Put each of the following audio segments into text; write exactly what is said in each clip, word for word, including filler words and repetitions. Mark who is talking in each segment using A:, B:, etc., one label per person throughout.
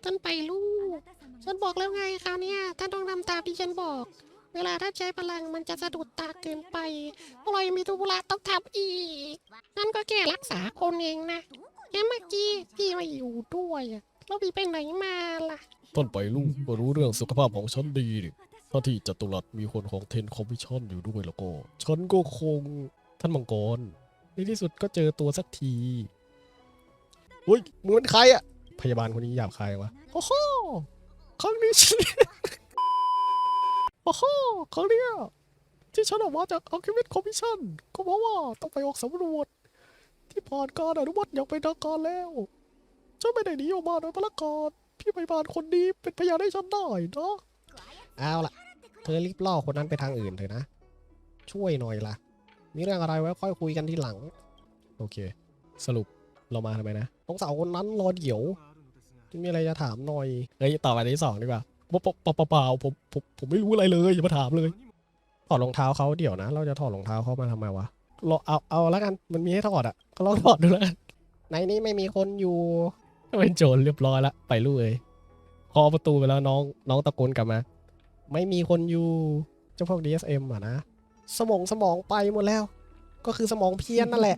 A: ท่านไปลูกฉันบอกแล้วไงคราวนี้ท่านต้องทำตามที่ฉันบอกเวลาถ้าใช้พลังมันจะสะดุดตาเกินไปพวกเรายังมีธุระต้องทำอีกนั่นก็แค่รักษาคนเองนะแค่เมื่อกี้พี่มาอยู่ด้วยแล้วพี่ไปไหนมาล่ะ
B: ต้นไปลูกก็รู้เรื่องสุขภาพของฉันดีดิถ้าที่จัตุรัสมีคนของเทนคอมมิชชั่นอยู่ด้วยแล้วก็ฉันก็คงท่านมังกรในที่สุดก็เจอตัวสักทีเฮ้ยมึงเป็นใครอะพยาบาลคนนี้หยาบคายวะโอ้โหครั้งนี้ฉันโอ้โหครั้งเนี้ยที่ฉันออกมาจากอัลเคมิสคอมมิชชั่นก็เพราะว่าต้องไปออกสำรวจที่ผ่านการอนุมัติอย่างเป็นทางการแล้วฉันไม่ได้หนีออกมาโดยพลการพี่พยาบาลคนนี้เป็นพยานให้ฉันได้นะเอาล่ะเธอรีบล่อคนนั้นไปทางอื่นเถอะนะช่วยหน่อยล่ะมีเรื่องอะไรไว้ค่อยคุยกันทีหลังโอเคสรุปเรามาทำไมนะน้องสาวคนนั้นรอเดี๋ยวมีอะไรจะถามหน่อยเฮ้ยต่อไปที่สองดีกว่าเปล่าเปล่าเปล่าผมผมผมไม่รู้อะไรเลยอย่ามาถามเลยถอดรองเท้าเขาเดี๋ยวนะเราจะถอดรองเท้าเขามาทำไมวะเราเอาเอาแล้วกันมันมีให้ถอดอ่ะก็ลองถอดดูแล้วกันในนี้ไม่มีคนอยู่เป็นโจรเรียบร้อยละไปลูกเอ้ยเคาะประตูไปแล้วน้องน้องตะโกนกลับมาไม่มีคนอยู่เจ้าพวก ดี เอส เอ็ม อ่ะนะสมองสมองไปหมดแล้วก็คือสมองเพี้ยนนั่นแหละ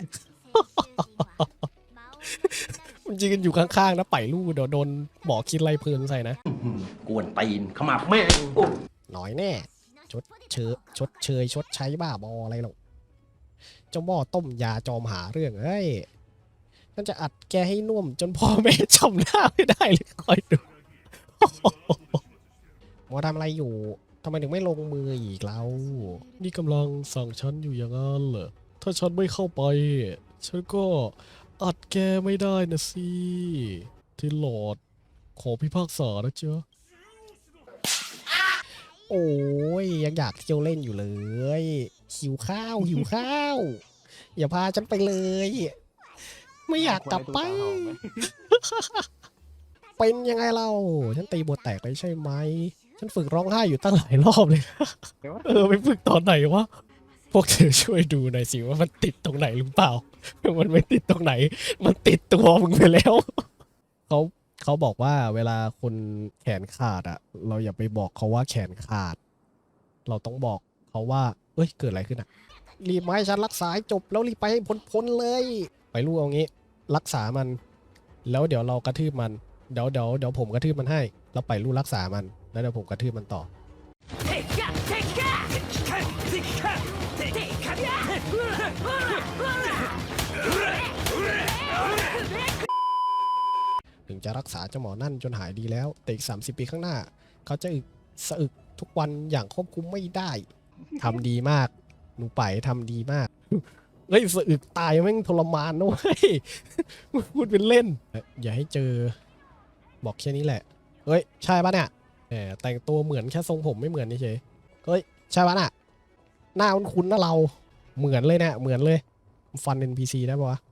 B: มันยืนอยู่ข้างๆนะไปลูกเดี๋ยวโดนหมอคิดไล่เพลินใส่นะ
C: กวนตีนขมับแม่ง
B: หน่อยแน่ชดเชยชดเชยชดใช้บ้าบออะไรหรอกเจ้าหม้อต้มยาจอมหาเรื่องเฮ้ยนั่นจะอัดแกให้น่วมจนพ่อแม่จำหน้าไม่ได้เลยคอยดู หมอทำอะไรอยู่ทำไมถึงไม่ลงมืออีกแล้วนี่กำลังสั่งฉันอยู่อย่างนั้นเหรอถ้าฉันไม่เข้าไปฉันก็อัดแกไม่ได้นะสิที่หลอดขอพิพากษานะเจ้าโอ้ยยังอยากเที่ยวเล่นอยู่เลยหิวข้าวหิวข้าวอย่าพาฉันไปเลยไม่อยากกลับไป เป็นยังไงเราฉันตีบทแตกเลยใช่ไหมฉันฝึกร้องไห้อยู่ตั้งหลายรอบเลย เออไปฝึกตอนไหนวะพวกเธอช่วยดูหน่อยสิว่ามันติดตรงไหนหรือเปล่ามันไม่ติดตรงไหนมันติดตัวมึงไปแล้วเขาเขาบอกว่าเวลาคนแขนขาดอ่ะเราอย่าไปบอกเขาว่าแขนขาดเราต้องบอกเขาว่าเอ้ยเกิดอะไรขึ้นอ่ะรีบมาให้ฉันรักษาให้จบแล้วรีบไปให้พ้นๆเลยไปรู้เอางี้รักษามันแล้วเดี๋ยวเรากระทืบมันเดี๋ยวเดี๋ยวเดี๋ยวผมกระทืบมันให้แล้วไปรู้รักษามันแล้วเดี๋ยวผมกระทืบมันต่อถึงจะรักษาเจ้าหมอนั่นจนหายดีแล้วแต่อีกสามสิบปีข้างหน้าเขาจะอึกสะอึกทุกวันอย่างควบคุมไม่ได้ทำดีมากหนูไปทำดีมากเฮ้ยสะอึกตายแม่งทรมานนะเว้ยพูดเป็นเล่นอย่าให้เจอบอกแค่นี้แหละเฮ้ยใช่ปะเนี่ยแหมแต่งตัวเหมือนแค่ทรงผมไม่เหมือนนี่เฉยเฮ้ยใช่ปะน่ะหน้าคุ้นๆนะเราเหมือนเลยเนี่ยเหมือนเลยฟัน เอ็น พี ซี ได้ปะวะ